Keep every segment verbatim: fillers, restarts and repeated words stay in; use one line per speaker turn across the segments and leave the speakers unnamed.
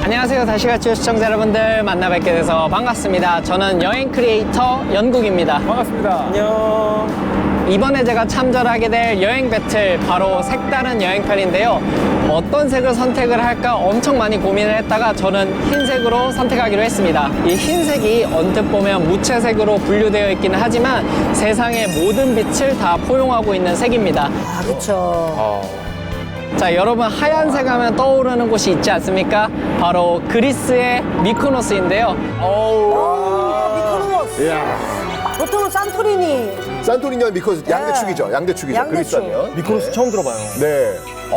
안녕하세요. 다시가치요 시청자 여러분들 만나 뵙게 돼서 반갑습니다. 저는 여행 크리에이터 연국입니다.
반갑습니다. 안녕.
이번에 제가 참전하게 될 여행 배틀, 바로 색다른 여행편인데요. 어떤 색을 선택을 할까 엄청 많이 고민을 했다가 저는 흰색으로 선택하기로 했습니다. 이 흰색이 언뜻 보면 무채색으로 분류되어 있기는 하지만 세상의 모든 빛을 다 포용하고 있는 색입니다.
아, 그쵸.
어.
자, 여러분 하얀색 하면 떠오르는 곳이 있지 않습니까? 바로 그리스의 미코노스인데요.
오, 미코노스.
이야.
보통은 산토리니.
산토리니와 미코노스 양대축이죠. 양대축이죠.
양대축.
그리스하면.
미코노스 처음 들어봐요.
네.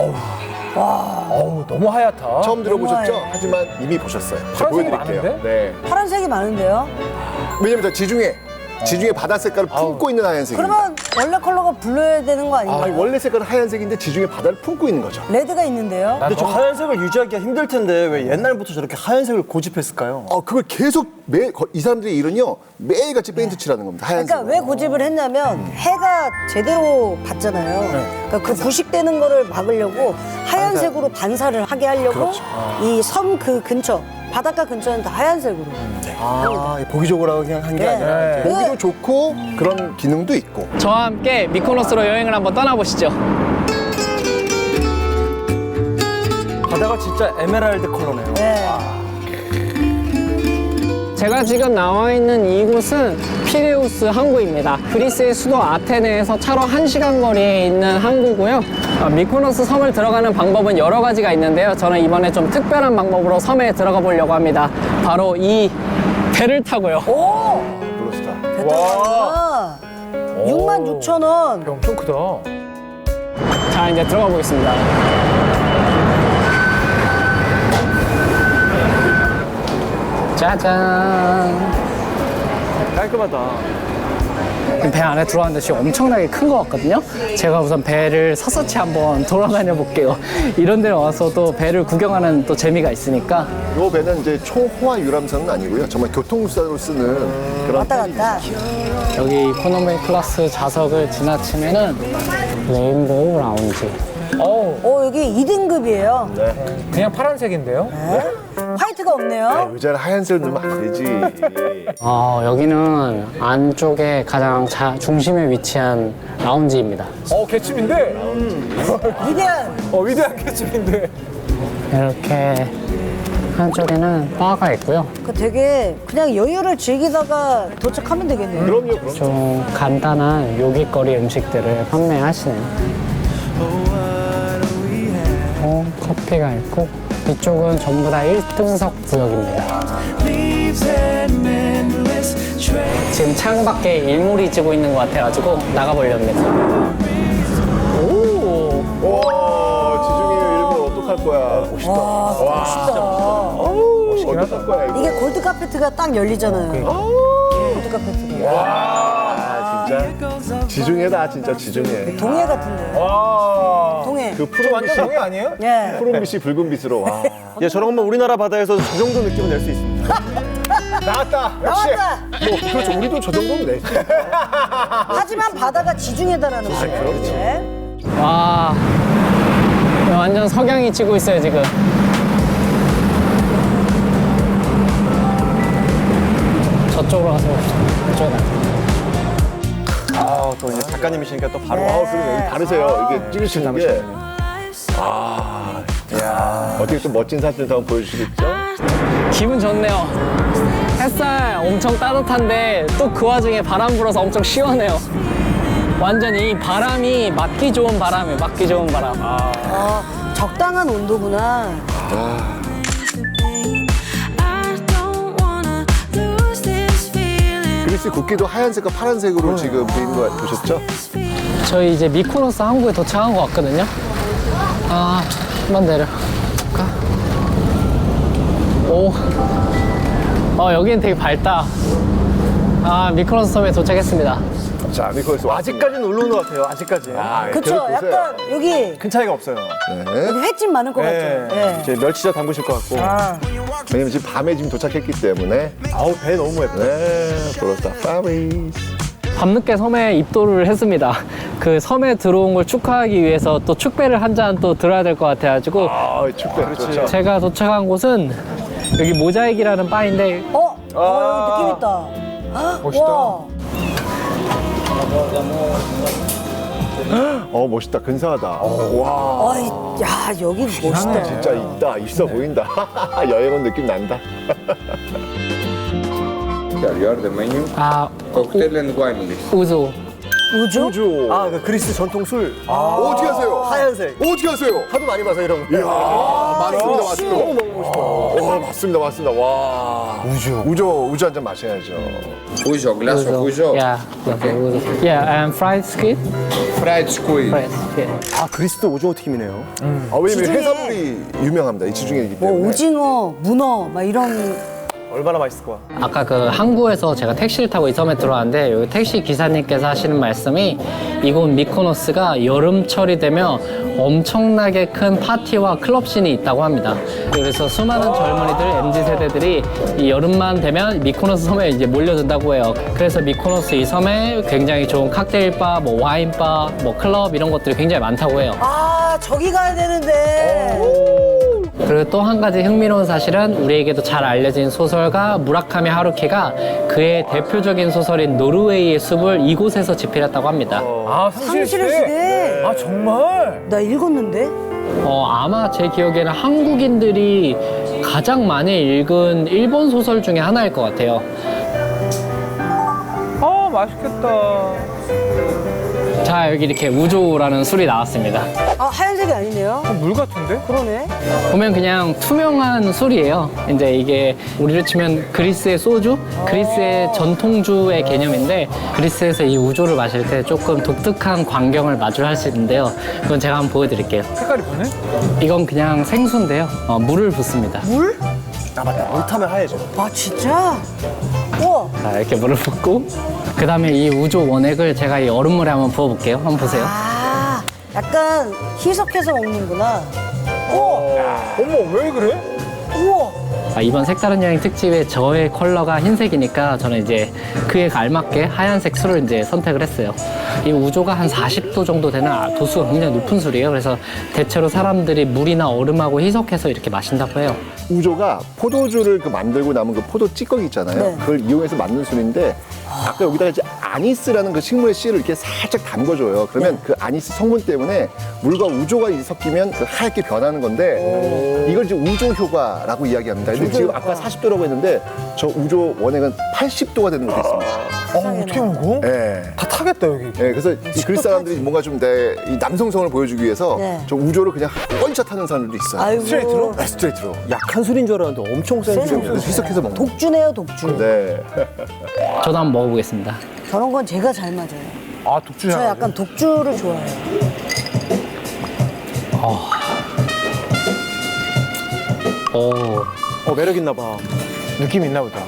어우, 너무 하얗다.
처음 들어보셨죠?
하얘.
하지만 이미 보셨어요.
파란색이
보여드릴게요.
많은데?
네.
파란색이 많은데요?
왜냐면 저 지중해, 지중해 바다 색깔을 품고 있는 하얀색입니다.
그러면 원래 컬러가 불러야 되는 거 아닌가요?
아니, 원래 색깔은 하얀색인데 지중해 바다를 품고 있는 거죠.
레드가 있는데요?
근데 저 하얀색을 유지하기가 힘들 텐데 왜 옛날부터 저렇게 하얀색을 고집했을까요?
어, 그걸 계속 매, 거- 이 사람들의 일은요, 매일같이 페인트 칠하는 겁니다. 하얀색.
그러니까 왜 고집을 했냐면 해가 제대로 받잖아요. 그러니까 그 부식되는 거를 막으려고 하얀색으로 반사를 하게 하려고 이 섬 그 근처, 바닷가 근처는 다 하얀색으로.
아, 보기 좋으라고 그냥 한 게
네.
아니라 이렇게.
보기도 좋고 그런 기능도 있고.
저와 함께 미코노스로 여행을 한번 떠나보시죠.
바다가 진짜 에메랄드 컬러네요.
네.
제가 지금 나와 있는 이곳은 피레우스 항구입니다. 그리스의 수도 아테네에서 차로 한 시간 거리에 있는 항구고요. 어, 미코노스 섬을 들어가는 방법은 여러 가지가 있는데요. 저는 이번에 좀 특별한 방법으로 섬에 들어가 보려고 합니다. 바로 이 배를 타고요.
오!
블루스타.
배터리가 육만 육천 원.
엄청 크다.
자, 이제 들어가 보겠습니다. 짜잔.
깔끔하다.
배 안에 들어왔는데 지금 엄청나게 큰 것 같거든요. 제가 우선 배를 샅샅이 한번 돌아다녀 볼게요. 이런 데 와서 또 배를 구경하는 또 재미가 있으니까.
이 배는 이제 초호화 유람선은 아니고요. 정말 교통수단으로 쓰는 그런
왔다 갔다.
여기 이코노미 클래스 좌석을 지나치면은 레인보우 라운지.
어우,
오, 여기 이 등급이에요.
그냥 파란색인데요?
화이트가 없네요.
의자를 하얀색을 넣으면 안 되지.
어, 여기는 안쪽에 가장 자, 중심에 위치한 라운지입니다.
어, 개침인데?
위대한.
어, 위대한 개침인데.
이렇게 한쪽에는 바가 있고요.
그 되게 그냥 여유를 즐기다가 도착하면 되겠네요.
그럼요, 그럼.
좀 간단한 요깃거리 음식들을 판매하시네요. 어, 커피가 있고 이쪽은 전부 다 일 등석 구역입니다. 지금 창밖에 일몰이 지고 있는 것 같아가지고 나가보려 합니다. 오,
와, 지중해 일본 어떡할 거야. 멋있다.
와, 멋있다.
어우, 어떡할 거야, 이거.
이게 골드 카페트가 딱 열리잖아요. 골드 카페트가.
아, 진짜. 지중해다, 진짜 지중해.
동해 같은데.
와.
동해.
그 푸른
완전
빛이,
동해 아니에요?
예.
푸른 빛이 붉은 빛으로. 와.
예, 저런 거면 우리나라 바다에서 저 정도 느낌을 낼 수 있습니다.
나왔다. 역시.
나왔다.
뭐, 그렇죠. 우리도 저 정도는 내지.
하지만 바다가 지중해다라는 거예요.
그렇죠.
네.
와, 완전 석양이 지고 있어요 지금. 저쪽으로 가서 이쪽으로 가서.
아, 또 이제 작가님이시니까 또 바로.
아, 그러네. 여기 다르세요. 이게 찍으시는 게. 아, 야. 어떻게 또 멋진 사진 한번 보여주시겠죠?
기분 좋네요. 햇살 엄청 따뜻한데 또 그 와중에 바람 불어서 엄청 시원해요. 완전 이 바람이 맞기 좋은 바람이에요. 맞기 좋은 바람.
어, 적당한 온도구나.
그리스 국기도 하얀색과 파란색으로 지금 돼 있는 거 보셨죠?
저희 이제 미코노스 항구에 도착한 것 같거든요. 아, 한번 내려. 가. 오. 어, 여기는 되게 밝다. 아, 미코노스 섬에 도착했습니다.
자, 미코노스
아직까지는 올라오는 것 같아요, 아직까지.
아,
그쵸? 약간 여기
큰 차이가 없어요.
네.
여기 횟집 많을 것 같죠?
네.
예.
이제 멸치젓 담그실 것 같고.
아,
왜냐면 지금 밤에 지금 도착했기 때문에.
아우, 배 너무 예뻐요.
네, 그렇다. 파리스.
밤늦게 섬에 입도를 했습니다. 그 섬에 들어온 걸 축하하기 위해서 또 축배를 한 잔 또 들어야 될 것 같아가지고
아, 축배. 그렇죠.
제가 도착한 곳은 여기 모자익이라는 바인데
어? 어, 여기 느낌 있다. 헉,
멋있다.
와.
어 멋있다. 근사하다. 와.
아이, 야, 여기 멋있다.
진짜 있다. 있어 보인다. 여행 온 느낌 난다.
Here you are the menu,
아
cocktail and wine list.
우조.
우주?
우주.
아, 그 그리스 전통 술.
어떻게 하세요?
하얀색.
어떻게 하세요?
하도 많이 봐서 이런 거.
이야, 맞습니다, 맞습니다.
너무 먹고 싶어.
와, 맞습니다, 맞습니다. 와. 우주. 우주, 우주 한 잔 마셔야죠.
Uzo, glass of uzo,
Yeah, okay, 우조. Yeah, and fried squid.
fried squid.
Fried, yeah.
아, 그리스도 오징어 튀김이네요.
아, 왜냐면
지중해.
해산물이 유명합니다. 이 지중해이기
뭐
때문에.
오징어, 문어, 막 이런.
얼마나 맛있을 거야.
아까 그 항구에서 제가 택시를 타고 이 섬에 들어왔는데 여기 택시 기사님께서 하시는 말씀이 이곳 미코노스가 여름철이 되면 엄청나게 큰 파티와 클럽 씬이 있다고 합니다. 그래서 수많은 젊은이들, 엠지 세대들이 이 여름만 되면 미코노스 섬에 이제 몰려든다고 해요. 그래서 미코노스 이 섬에 굉장히 좋은 칵테일바, 뭐 와인바, 뭐 클럽 이런 것들이 굉장히 많다고 해요.
아, 저기 가야 되는데.
그리고 또 한 가지 흥미로운 사실은 우리에게도 잘 알려진 소설가 무라카미 하루키가 그의 대표적인 소설인 노르웨이의 숲을 이곳에서 집필했다고 합니다.
아, 상실의
상실의
시대?
시대.
아, 정말?
나 읽었는데?
어, 아마 제 기억에는 한국인들이 가장 많이 읽은 일본 소설 중에 하나일 것 같아요.
아, 맛있겠다.
자, 여기 이렇게 우조라는 술이 나왔습니다.
아, 하얀색이 아니네요.
물 같은데?
그러네.
보면 그냥 투명한 술이에요. 이제 이게 우리로 치면 그리스의 소주, 그리스의 전통주의 개념인데 그리스에서 이 우조를 마실 때 조금 독특한 광경을 마주할 수 있는데요. 그건 제가 한번 보여드릴게요.
색깔이 보네?
이건 그냥 생수인데요. 어, 물을 붓습니다.
물?
아, 맞다. 물 타면 하얘져.
아, 진짜? 우와.
자, 이렇게 물을 붓고 그 다음에 이 우조 원액을 제가 이 얼음물에 한번 부어볼게요. 한번 보세요.
아, 약간 희석해서 먹는구나.
어머, 왜 그래?
우와.
아, 이번 색다른 여행 특집의 저의 컬러가 흰색이니까 저는 이제 그에 알맞게 하얀색 술을 이제 선택을 했어요. 이 우조가 한 사십 도 정도 되는 아, 도수가 굉장히 높은 술이에요. 그래서 대체로 사람들이 물이나 얼음하고 희석해서 이렇게 마신다고 해요.
우조가 포도주를 그 만들고 남은 그 포도 찌꺼기 있잖아요.
네.
그걸 이용해서 만든 술인데 아까 여기다가 이제 아니스라는 그 식물의 씨를 이렇게 살짝 담궈줘요. 그러면 그 아니스 성분 때문에 물과 우조가 이제 섞이면 그 하얗게 변하는 건데 이걸 이제 우조 효과라고 이야기합니다. 근데 지금 아까 사십 도라고 했는데 저 우조 원액은 팔십 도가 되는 것도 있습니다.
어, 어떻게 먹어?
네.
다 타겠다, 여기.
네, 그래서 이 그리스 사람들이 뭔가 좀 내 이 남성성을 보여주기 위해서
네.
저 우조를 그냥 원샷 하는 사람들도 있어요.
아이고.
스트레이트로?
네, 스트레이트로.
약한 술인 줄 알았는데 엄청 센
센
술이에요.
술.
희석해서 먹는.
독주네요, 독주.
네.
저도 한번 먹어보겠습니다.
저런 건 제가 잘 맞아요.
아, 독주야.
저 약간 독주를 좋아해요.
오,
어, 매력 있나 봐.
느낌 있나 보다.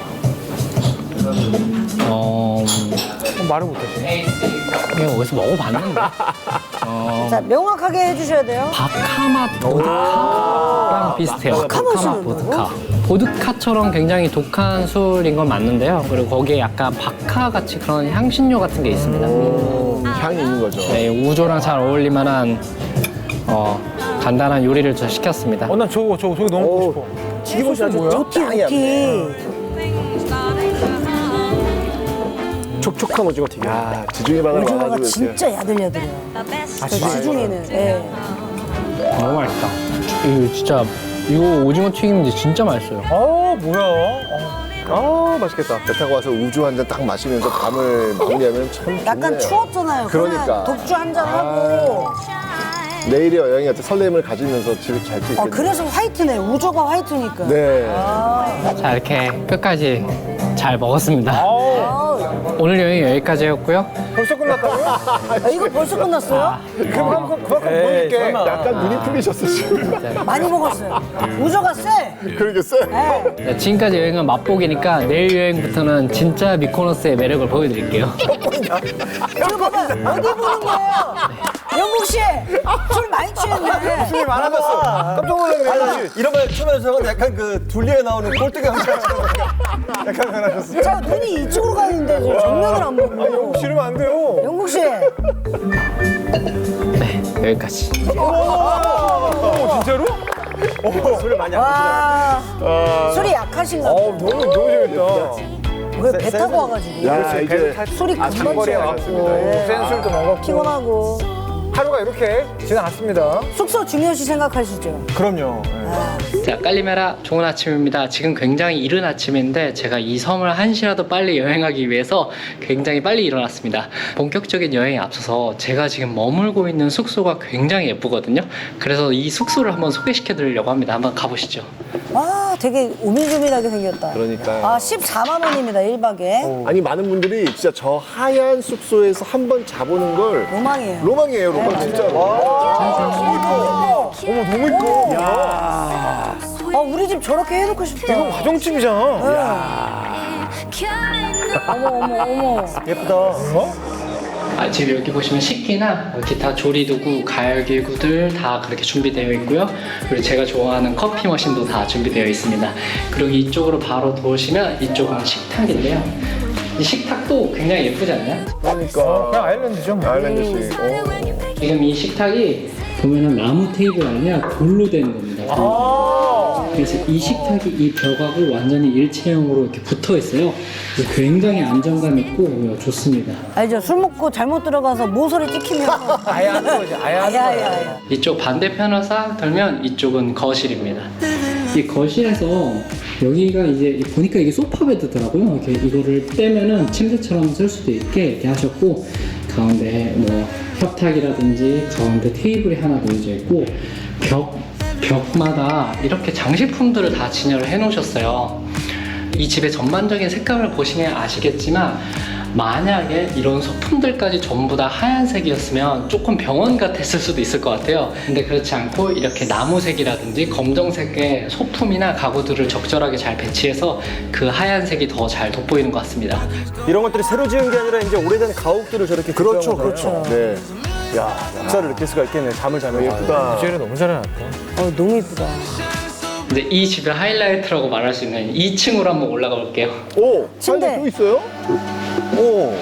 어,
어, 말을 못하지.
이거 어디서 먹어봤는데?
자, 명확하게 해주셔야 돼요.
바카맛 보드카랑 비슷해요.
바카맛이
바카맛 보드카. 보드카처럼 굉장히 독한 술인 건 맞는데요. 그리고 거기에 약간 바카 같이 그런 향신료 같은 게 있습니다.
향이 있는 거죠.
네, 우조랑 잘 어울릴 만한 어, 간단한 요리를 저 시켰습니다.
어, 난 저거, 저거, 저거 너무 먹고 싶어.
튀김옷이 아주
뭐야?
오티, 오티.
촉촉한 오징어 튀김.
야, 지중해 바다
오징어가
와가지고 이렇게.
진짜 야들야들해요. 아, 지중해는. 예.
너무 맛있다. 이거 진짜 이거 오징어 튀김인데 진짜 맛있어요.
아, 뭐야. 어.
아, 맛있겠다.
배 타고 와서 우주 한 잔 딱 마시면서 밤을 마무리하면 참 좋네요.
약간 추웠잖아요.
그러니까.
그냥 독주 한잔 하고.
내일의 여행에 어떤 설렘을 가지면서 집에 잘 수
아,
있겠네요.
그래서 화이트네. 우조가 화이트니까.
네.
자, 이렇게 끝까지 잘 먹었습니다.
아,
오늘 여행 여기까지였고요.
벌써 끝났다고요?
아, 이거 벌써 끝났어요?
그럼 그만큼, 그만큼
에이,
보여줄게.
설마.
약간 눈이 풀리셨어, 지금.
많이 먹었어요. 우조가 세.
그러겠어요?
네.
네, 지금까지 여행은 맛보기니까 내일 여행부터는 진짜 미코노스의 매력을 보여드릴게요.
이거 봐봐. 어디 보는 거예요? 영국 씨, 술 많이 취했네.
웃음이 많아졌어. 깜짝 놀랐네.
아니, 이런 말 처음에 저건 약간 그 둘리에 나오는 꼴뚜기 형처럼 약간 변하셨어.
자, 눈이 이쪽으로 가는데 지금 정면을 안 보고.
싫으면 안 돼요.
영국 씨,
네, 여기까지.
오, 진짜로?
술을 많이 안
와, 술이 약하신가
어,
봐요.
너무, 너무 재밌다.
왜 배 타고 와가지고.
야, 이제
술이 금방
장거리에
취해요.
왔습니다.
네.
센술도 먹었고.
피곤하고.
하루가 이렇게 지나갔습니다.
숙소 중요시 생각하시죠?
그럼요. 네.
자, 깔리메라 좋은 아침입니다. 지금 굉장히 이른 아침인데 제가 이 섬을 한시라도 빨리 여행하기 위해서 굉장히 빨리 일어났습니다. 본격적인 여행에 앞서서 제가 지금 머물고 있는 숙소가 굉장히 예쁘거든요. 그래서 이 숙소를 한번 소개시켜 드리려고 합니다. 한번 가보시죠.
와, 되게 오밀조밀하게 생겼다.
그러니까요.
아, 십사만 원입니다, 일 박에.
아니 많은 분들이 진짜 저 하얀 숙소에서 한 번 자보는 걸
로망이에요.
로망이에요, 로망 진짜로.
어머, 너무 이뻐.
아, 우리 집 저렇게 해놓고 싶다.
이건 가정집이잖아.
어머, 어머, 어머.
예쁘다.
아, 지금 여기 보시면 식기나 기타 조리도구, 가열기구들 다 그렇게 준비되어 있고요. 그리고 제가 좋아하는 커피 머신도 다 준비되어 있습니다. 그리고 이쪽으로 바로 도시면 이쪽은 식탁인데요. 이 식탁도 굉장히 예쁘지 않나요?
그러니까. 그냥 아일랜드죠. 뭐.
아일랜드식.
지금 이 식탁이 보면은 나무 테이블 아니라 돌로 된 겁니다.
아.
그래서 이 식탁이 이 벽하고 완전히 일체형으로 이렇게 붙어 있어요. 그래서 굉장히 안정감 있고 좋습니다.
알죠? 술 먹고 잘못 들어가서 모서리 찍히면.
아예 하는 거지. 아예 하는 거야.
아야야야.
이쪽 반대편을 싹 돌면 이쪽은 거실입니다. 이 거실에서 여기가 이제 보니까 이게 소파 베드더라고요. 이렇게 이거를 떼면은 침대처럼 쓸 수도 있게 이렇게 하셨고 가운데 뭐 협탁이라든지 가운데 테이블이 하나 놓여져 있고 벽 벽마다 이렇게 장식품들을 다 진열을 해 놓으셨어요. 이 집의 전반적인 색감을 보시면 아시겠지만 만약에 이런 소품들까지 전부 다 하얀색이었으면 조금 병원 같았을 수도 있을 것 같아요. 근데 그렇지 않고 이렇게 나무색이라든지 검정색의 소품이나 가구들을 적절하게 잘 배치해서 그 하얀색이 더 잘 돋보이는 것 같습니다.
이런 것들이 새로 지은 게 아니라 이제 오래된 가옥들을 저렇게
그렇죠,
구조한 거잖아요.
그렇죠. 네.
야, 역사를 느낄 수가 있겠네. 잠을 자면.
예쁘다.
디제이를 너무 잘해놨다.
어, 너무 이쁘다.
근데 이 집의 하이라이트라고 말할 수 있는 이 층으로 한번 올라가 볼게요.
오,
침대.
침대 또 있어요? 오.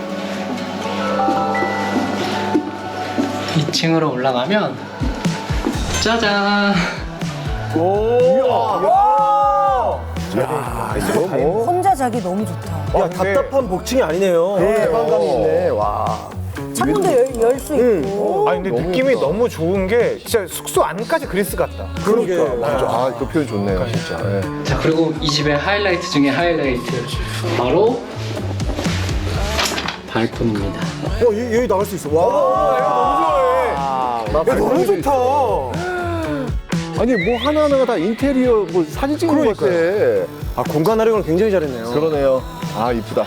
이 층으로 올라가면 짜잔!
야, 이거 뭐
혼자 자기 너무 좋다.
야, 답답한 복층이 아니네요.
해방감이 있네. 와.
창문도 열 수 있고.
아니 근데
너무
느낌이
좋다.
너무 좋은 게 진짜 숙소 안까지 그리스 같다.
그러니까. 맞아. 아, 그 표현 좋네요, 진짜. 네.
자, 그리고 이 집의 하이라이트 중에 하이라이트 바로 발코니입니다.
어, 여기, 여기 나갈 수 있어. 와.
나
야, 너무 좋다.
아니, 뭐 하나하나가 다 인테리어, 뭐 사진 찍는 것 같아.
아, 공간 활용을 굉장히 잘했네요.
그러네요. 아, 이쁘다.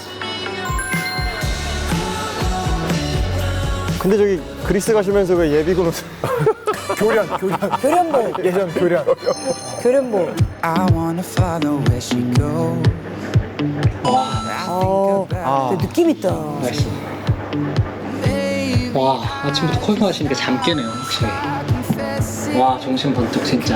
근데 저기 그리스 가시면서 왜 예비군 옷을
교련, 교련.
교련복,
예전 교련.
교련복.
I wanna follow where she goes.
어, 되게 느낌 있다.
날씨. 와, 아침부터 커피 마시니까 잠 깨네요, 확실히. 와, 정신 번쩍 진짜.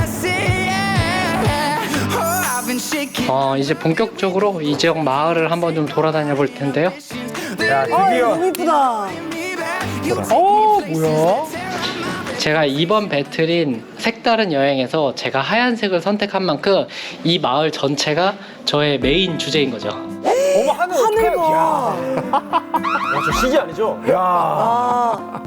어, 이제 본격적으로 이 지역 마을을 한번 좀 돌아다녀 볼 텐데요.
야,
아,
드디어.
너무 이쁘다.
어, 뭐야?
제가 이번 배틀인 색다른 여행에서 제가 하얀색을 선택한 만큼 이 마을 전체가 저의 메인 주제인 거죠.
어머, 하늘
하늘
어떡해.
봐.
야, 저 시기 아니죠?
야. 야.
아,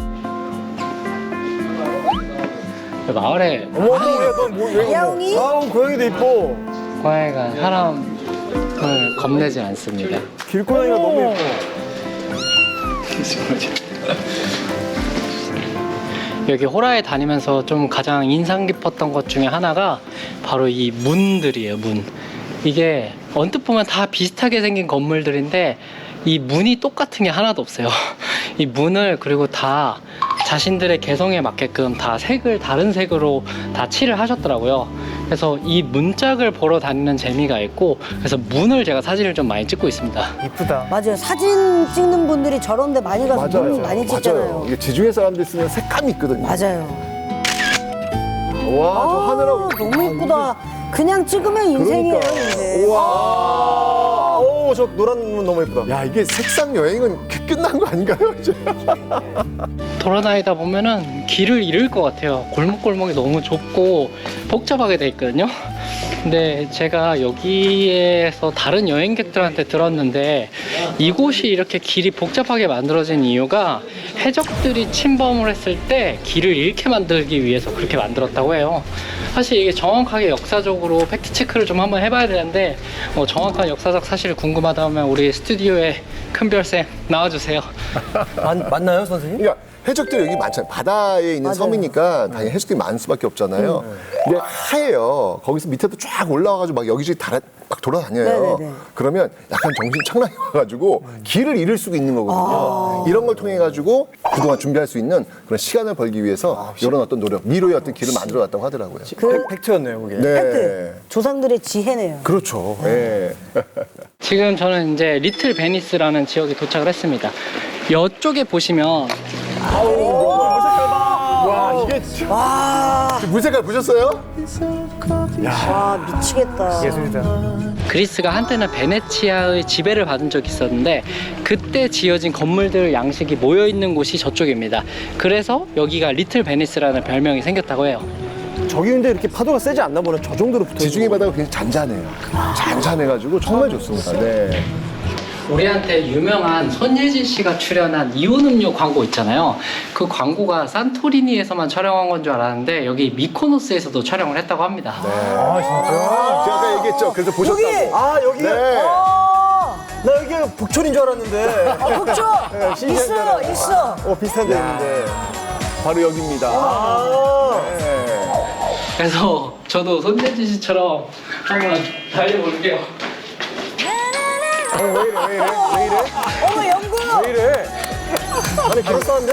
그 마을에
어머, 야, 넌 뭐, 왜,
야옹이?
아우, 고양이도 이뻐.
고양이가 사람을 겁내지 않습니다.
길고양이가 너무 이뻐.
여기 호라에 다니면서 좀 가장 인상 깊었던 것 중에 하나가 바로 이 문들이에요, 문. 이게 언뜻 보면 다 비슷하게 생긴 건물들인데 이 문이 똑같은 게 하나도 없어요. 이 문을 그리고 다 자신들의 개성에 맞게끔 다 색을 다른 색으로 다 칠을 하셨더라고요. 그래서 이 문짝을 보러 다니는 재미가 있고 그래서 문을 제가 사진을 좀 많이 찍고 있습니다.
이쁘다.
맞아요. 사진 찍는 분들이 저런 데 많이 가서
맞아요.
문 많이
맞아요.
찍잖아요.
이게 지중해 사람들 쓰면 색감이 있거든요.
맞아요.
와, 저
아,
하늘하고.
너무 이쁘다. 그냥 찍으면 인생이에요,
그러니까.
인생.
우와.
오, 저 노란 문 너무 이쁘다.
야, 이게 색상 여행은 끝난 거 아닌가요?
돌아다니다 보면은 길을 잃을 것 같아요. 골목골목이 너무 좁고 복잡하게 돼 있거든요.
네, 제가 여기에서 다른 여행객들한테 들었는데 이곳이 이렇게 길이 복잡하게 만들어진 이유가 해적들이 침범을 했을 때 길을 잃게 만들기 위해서 그렇게 만들었다고 해요. 사실 이게 정확하게 역사적으로 팩트 체크를 좀 한번 해봐야 되는데 뭐 정확한 역사적 사실이 궁금하다면 우리 스튜디오에 큰별쌤 나와주세요.
맞, 맞나요, 선생님?
그러니까 해적들이 여기 많잖아요. 바다에 있는
맞아요.
섬이니까 당연히 해적들이 많을 수밖에 없잖아요. 근데 하얘요. 거기서 밑에도 쫙 올라와가지고 막 여기저기 다, 막 돌아다녀요.
네네네.
그러면 약간 정신 착락이 와가지고 길을 잃을 수가 있는 거거든요. 이런 걸 통해 가지고 그동안 준비할 수 있는 그런 시간을 벌기 위해서 이런 어떤 노력, 미로의 어떤 길을 만들어놨다고 하더라고요.
그
팩트였네요, 그게.
네.
팩트. 조상들의 지혜네요.
그렇죠. 네.
지금 저는 이제 리틀 베니스라는 지역에 도착을 했습니다. 이쪽에 보시면
와, 이게 진짜.
와,
물색깔 보셨어요?
와 미치겠다.
그리스가 한때는 베네치아의 지배를 받은 적이 있었는데 그때 지어진 건물들 양식이 모여 있는 곳이 저쪽입니다. 그래서 여기가 리틀 베니스라는 별명이 생겼다고 해요.
저기 근데 이렇게 파도가 세지 않나 보네. 저 정도로 붙어.
지중해 바다가 굉장히 잔잔해요. 잔잔해가지고 정말 좋습니다. 네.
우리한테 유명한 손예진 씨가 출연한 이온 음료 광고 있잖아요. 그 광고가 산토리니에서만 촬영한 건 줄 알았는데 여기 미코노스에서도 촬영을 했다고 합니다.
아, 진짜?
제가 아까 얘기했죠. 그래서 보셨다고.
아, 여기.
네.
아,
나 여기 북촌인 줄 알았는데.
아 그렇죠. 있어, 있어.
어, 비슷한 데 있는데.
바로 여기입니다.
아.
네.
그래서 저도 손예진 씨처럼 한번 달려볼게요.
어, 왜 이래, 왜 이래, 왜 이래?
어머 영구.
왜 이래? 아니, 그럴싸한데?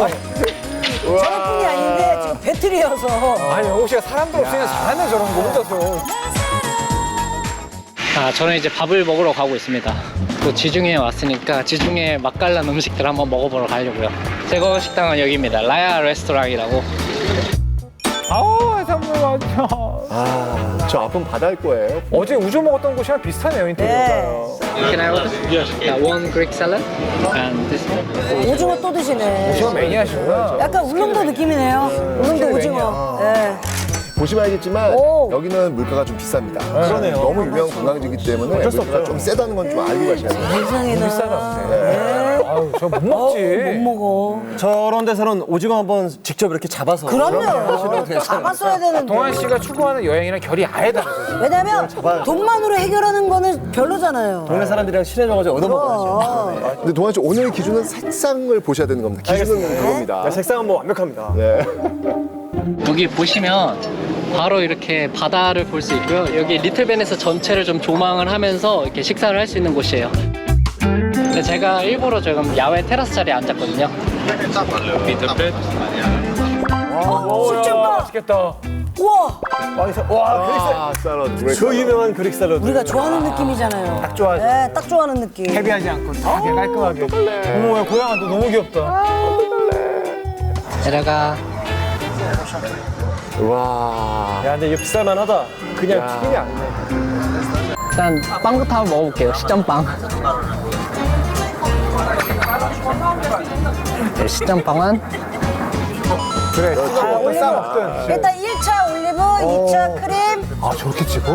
저뿐이 아닌데 지금 배틀이어서.
아니, 영국 씨가 사람들 없으면 잘하네, 저런 거 혼자서.
아, 저는 이제 밥을 먹으러 가고 있습니다. 또 지중해에 왔으니까 지중해 맛깔난 음식들 한번 먹어보러 가려고요. 제거 식당은 여기입니다. 라야 레스토랑이라고.
아우, 해산물 맞아.
아, 저 앞은 바다일 거예요.
어제 우조 먹었던 곳이랑 비슷하네요, 인테리어가.
Can I order? Yeah, one Greek salad and this one.
오징어 또 드시네.
저 매니아시구나.
약간 울릉도 느낌이네요. 울릉도 오징어. 예.
보시면 알겠지만
오.
여기는 물가가 좀 비쌉니다.
그러네요.
너무 유명한 관광지이기 때문에
어쩔 수
물가가
없어요.
좀 세다는 건 좀 알고 가셔야 돼요.
세상에나.
비싸다.
네.
아유, 저 못
어,
먹지.
못 먹어.
저런 데서는 오징어 한번 직접 이렇게 잡아서.
그럼요. 잡았어야 되는데.
동환 씨가 추구하는 여행이랑 결이 아예 다르죠.
왜냐면 돈만으로 해결하는 거는 별로잖아요.
동네 사람들이랑 친해져가지고 얻어먹어야죠.
어.
근데 동환 씨 오늘 기준은 색상을 보셔야 되는 겁니다. 기준은 그겁니다.
네, 색상은 뭐 완벽합니다.
네.
여기 보시면 바로 이렇게 바다를 볼 수 있고요. 여기 리틀 베니스 전체를 좀 조망을 하면서 이렇게 식사를 할 수 있는 곳이에요. 근데 제가 일부러 지금 야외 테라스 자리에 앉았거든요.
오, 야,
진짜
맛있겠다.
우와,
와, 그릭
아, 샐러드.
샐러드. 저 유명한 그릭 샐러드.
우리가 좋아하는 느낌이잖아요. 딱
좋아하죠.
네, 딱 좋아하는 느낌.
헤비하지 않고 되게 깔끔하게. 어머, 야, 고양아, 너 너무 귀엽다.
내려가.
와.
야, 근데 이거 비쌀만하다. 그냥 튀김이 아니네.
일단 빵부터 한번 먹어볼게요. 시점빵. 네, 시점빵은
그래, 먹든 싸 먹든.
일단 일 차 올리브, 이 차 크림.
아, 저렇게 찍어?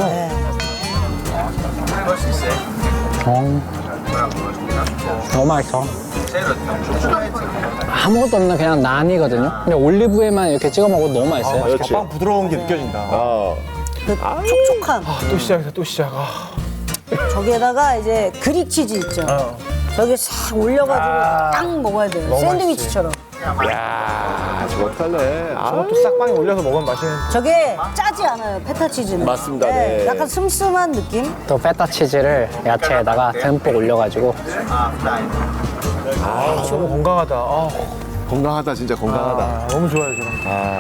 정. 너무 맛있어. 아무것도 없는 그냥 난이거든요. 근데 올리브에만 이렇게 찍어 먹어도 너무 맛있어요.
그렇지.
빵 부드러운 게 느껴진다.
아.
그 촉촉함.
또 시작했어, 또 시작. 아.
저기에다가 이제 그릭 치즈 있죠. 저기 싹 올려가지고
아.
딱 먹어야 돼요.
너무
샌드위치처럼.
야, 저거 어떡할래? 아,
저것도 싹빵에 올려서 먹으면 맛있는.
저게 짜지 않아요, 페타 치즈는.
맞습니다, 네.
약간 슴슴한 느낌?
또 페타 치즈를 야채에다가 듬뿍 올려가지고
아, 너무 건강하다. 아,
건강하다, 진짜 건강하다.
아, 너무 좋아요, 저런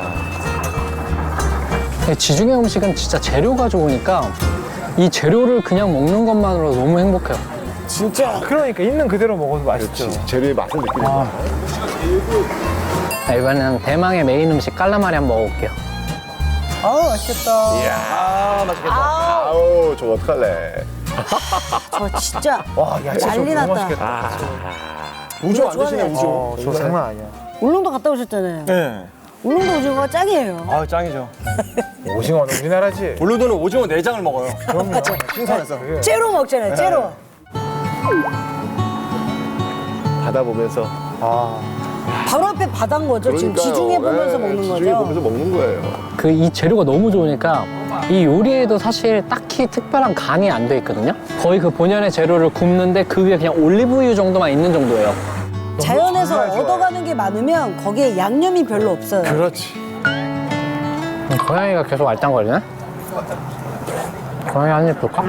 거.
지중해 음식은 진짜 재료가 좋으니까 이 재료를 그냥 먹는 것만으로 너무 행복해요.
진짜.
그러니까 있는 그대로 먹어도 맛있죠.
그렇지. 재료의 맛을 느끼는
아.
거야.
자, 이번에는 대망의 메인 음식 깔라마리 한번 먹어볼게요.
아우, 맛있겠다.
아, 맛있겠다.
아우, 저거 어떡할래?
저 진짜
와, 야채
난리
너무
났다.
맛있겠다.
우조 안 드시네,
좋아하네.
우조.
어, 저 장난 아니야.
울릉도 갔다 오셨잖아요.
네.
울릉도 오징어가 짱이에요.
아 짱이죠. 오징어는 우리나라지.
울릉도는 오징어 내장을 먹어요.
그럼요.
신선해서.
째로 먹잖아요, 째로.
바다 보면서.
아
바로 앞에 바다인 거죠. 지금 지중해 보면서
네,
먹는
지중해
거죠.
보면서 먹는 거예요.
그 이 재료가 너무 좋으니까 이 요리에도 사실 딱히 특별한 간이 안 돼 있거든요. 거의 그 본연의 재료를 굽는데 그 위에 그냥 올리브유 정도만 있는 정도예요.
자연에서
정말 좋아요.
얻어가는 게 많으면 거기에 양념이 별로 없어요.
그렇지.
고양이가 계속 알짱거리네. 고양이 한 입 볼까?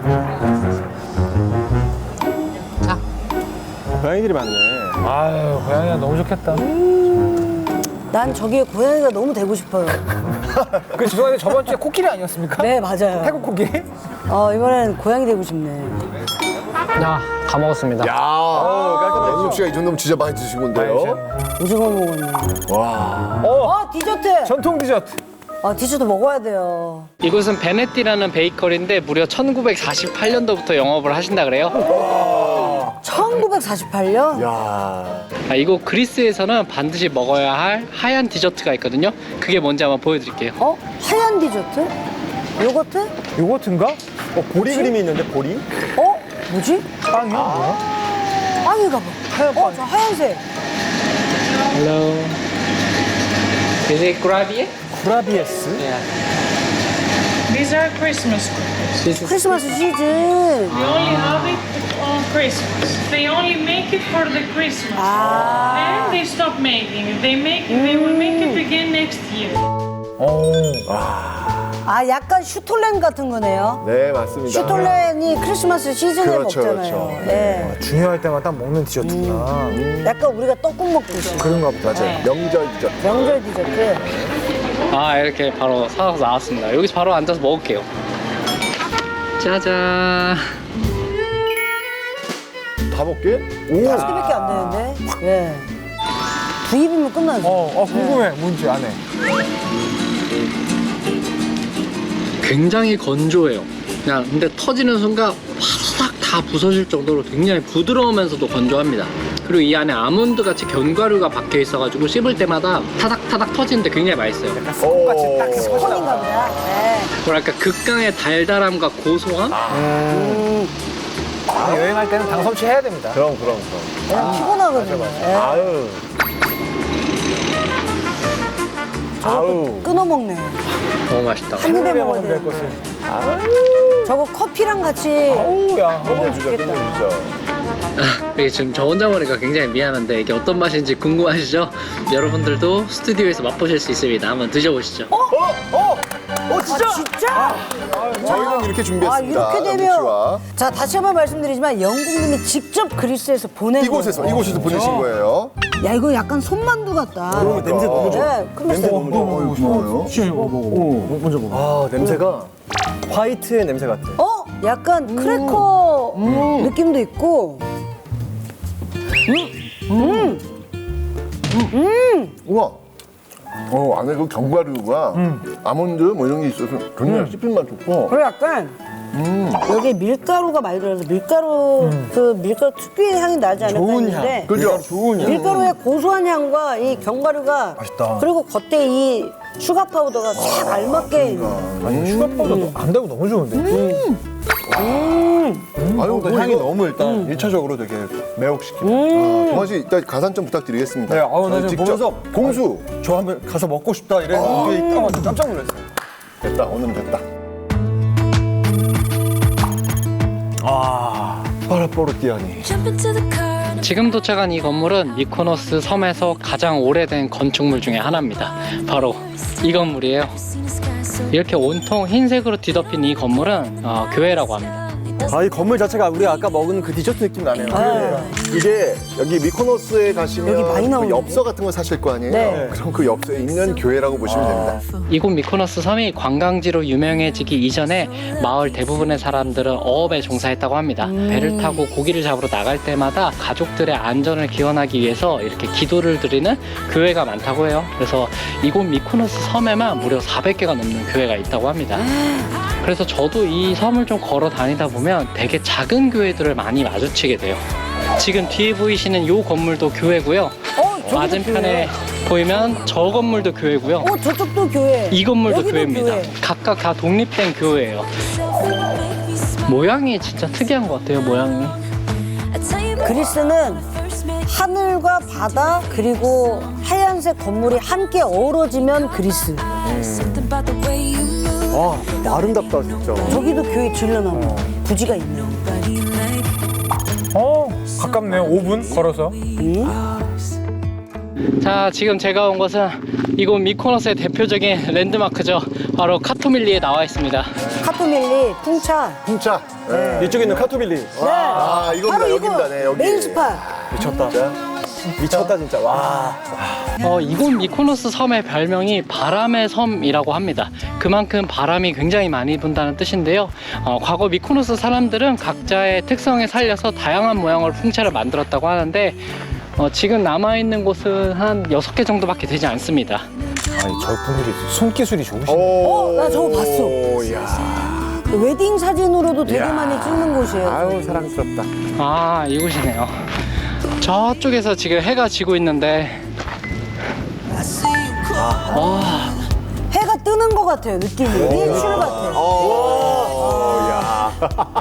고양이들이 많네.
아유 고양이가 너무 좋겠다.
난 저기에 고양이가 너무 되고 싶어요.
그 죄송한데 저번 주에 코끼리 아니었습니까?
네, 맞아요.
태국 코끼리?
어, 이번엔 고양이 되고 싶네.
야, 다 먹었습니다.
야, 영국 씨가 이 정도면 진짜 많이 드신 건데요.
오징어 먹었네.
와.
어, 디저트!
전통 디저트.
아, 디저트 먹어야 돼요.
이곳은 베네띠라는 베이커리인데 무려 천구백사십팔 년도부터 영업을 하신다 그래요.
천구백사십팔 년?
야.
아, 이곳 그리스에서는 반드시 먹어야 할 하얀 디저트가 있거든요. 그게 뭔지 한번 보여드릴게요.
어? 하얀 디저트? 요거트?
요거트인가?
어, 보리 그림이 있는데 보리?
어? 뭐지?
빵이야? 뭐야?
빵인가 봐.
하얀
어,
빵.
저 하얀색.
Hello. Is it gravy?
구라비에스.
Yeah.
These are Christmas cookies.
This is
크리스마스 시즌.
We only have it on Christmas. They only make it for the Christmas.
아.
Then they stop making it. They make it, they will make it again next year.
오.
아, 약간 슈톨렌 같은 거네요.
네, 맞습니다.
슈톨렌이 크리스마스 시즌에
그렇죠,
먹잖아요.
그렇죠.
예.
중요할 때만 딱 먹는 디저트구나.
약간 우리가 떡국 먹듯이.
그런가 보다.
맞아요. 명절 디저트.
명절 디저트.
아 이렇게 바로 사서 나왔습니다. 여기서 바로 앉아서 먹을게요. 짜잔.
다 먹게?
다섯 개밖에 안 되는데. 예. 두 입이면 끝나죠.
어, 어 궁금해. 뭔지 안에.
굉장히 건조해요. 그냥 근데 터지는 순간 화삭 다 부서질 정도로 굉장히 부드러우면서도 건조합니다. 그리고 이 안에 아몬드 같이 견과류가 박혀 있어가지고 씹을 때마다 타닥타닥 터지는데 굉장히 맛있어요.
손같이 딱
스폰인가
터지나.
보다. 예.
뭐랄까 극강의 달달함과 고소함.
음. 아, 여행할 때는 당 섭취해야 됩니다.
그럼, 그럼, 그럼.
그냥 피곤하거든요. 예.
아유. 아우.
끊어 먹네.
너무 맛있다.
한 입에 먹어야
먹으면 될
돼.
것을.
저거 커피랑 같이.
어우야.
끝내주자, 끝내주자.
이게 지금 저 혼자 먹으니까 굉장히 미안한데 이게 어떤 맛인지 궁금하시죠? 여러분들도 스튜디오에서 맛보실 수 있습니다. 한번 드셔보시죠.
어, 진짜? 아, 진짜?
저희는 이렇게 준비했습니다.
아, 이렇게
영국
되면.
씨와.
자, 다시 한번 말씀드리지만 영국님이 직접 그리스에서 보낸
이곳에서,
거예요.
이곳에서 보내신 거예요.
야, 이거 약간 손만두 같다.
어, 냄새 너무 좋아.
네, 클래스.
냄새 너무 좋아.
고마워요.
먼저 먹어.
아, 냄새가 화이트의 냄새 같아.
어? 약간 크래커 느낌도 있고.
우와. 어, 안에 그 견과류가 아몬드 뭐 이런 게 있어서 굉장히 씹힘만 좋고.
그리고 약간 여기 밀가루가 많이 들어서 밀가루 그 밀가루 특유의 향이 나지 않을까
좋은
했는데
향.
그죠?
좋은 향.
밀가루의 고소한 향과 이 견과류가
맛있다.
그리고 겉에 이 슈가 파우더가 딱 알맞게
아니 슈가 파우더도 안 달고 너무 좋은데.
아유,
또
뭐
향이
이거-
너무 일단 일차적으로 되게 매혹시키네.
아, 동환 씨, 이따 가산 좀 부탁드리겠습니다.
네, 아우, 나
저희
지금 보면서
공수.
저 한번 가서 먹고 싶다 이랬는데 이게 있다가 깜짝 놀랐어요.
됐다, 오늘은 됐다.
아, 파라포르티아니.
지금 도착한 이 건물은 미코노스 섬에서 가장 오래된 건축물 중에 하나입니다. 바로 이 건물이에요. 이렇게 온통 흰색으로 뒤덮인 이 건물은 어, 교회라고 합니다.
아, 이 건물 자체가 우리가 아까 먹은 그 디저트 느낌 나네요.
이게 여기 미코노스에 가시면
여기 많이
그
나오는데?
엽서 같은 거 사실 거 아니에요?
네.
그럼 그 엽서에 있는 교회라고 보시면 됩니다.
이곳 미코노스 섬이 관광지로 유명해지기 이전에 마을 대부분의 사람들은 어업에 종사했다고 합니다. 배를 타고 고기를 잡으러 나갈 때마다 가족들의 안전을 기원하기 위해서 이렇게 기도를 드리는 교회가 많다고 해요. 그래서 이곳 미코노스 섬에만 무려 사백 개가 넘는 교회가 있다고 합니다. 그래서 저도 이 섬을 좀 걸어 다니다 보면 되게 작은 교회들을 많이 마주치게 돼요. 지금 뒤에 보이시는 이 건물도 교회고요.
어, 저기도
맞은편에
교회예요?
보이면 저 건물도 교회고요.
어, 저쪽도 교회.
이 건물도
여기도
교회입니다.
교회.
각각 다 독립된 교회예요. 모양이 진짜 특이한 것 같아요, 모양이.
그리스는 하늘과 바다 그리고 하얀색 건물이 함께 어우러지면 그리스.
아, 아름답다, 진짜.
저기도 교회 질러나무 부지가 있네요.
어, 가깝네요. 오 분 걸어서.
자, 지금 제가 온 곳은 이곳 미코노스의 대표적인 랜드마크죠. 바로 카토밀리에 나와 있습니다.
카토밀리, 풍차.
풍차. 네.
이쪽에 있는 카토빌리.
네.
아, 이겁니다.
바로
여기입니다. 네, 여기.
메인 스팟.
미쳤다. 미쳤다 진짜. 와.
어, 이곳 미코노스 섬의 별명이 바람의 섬이라고 합니다. 그만큼 바람이 굉장히 많이 분다는 뜻인데요. 어, 과거 미코노스 사람들은 각자의 특성에 살려서 다양한 모양으로 풍차를 만들었다고 하는데 어, 지금 남아있는 곳은 한 여섯 개 정도밖에 되지 않습니다.
아니, 저분들이 손기술이 좋으시네.
어, 나 저거 봤어.
오, 이야.
웨딩 사진으로도 되게
이야.
많이 찍는 곳이에요.
아유, 사랑스럽다.
아, 이곳이네요. 저쪽에서 지금 해가 지고 있는데 와,
해가 뜨는 것 같아요, 느낌이. 일출 같아요.
오, 야.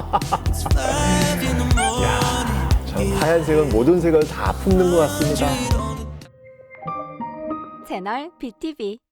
참, 하얀색은 모든 색을 다 품는 것 같습니다.
채널 비티비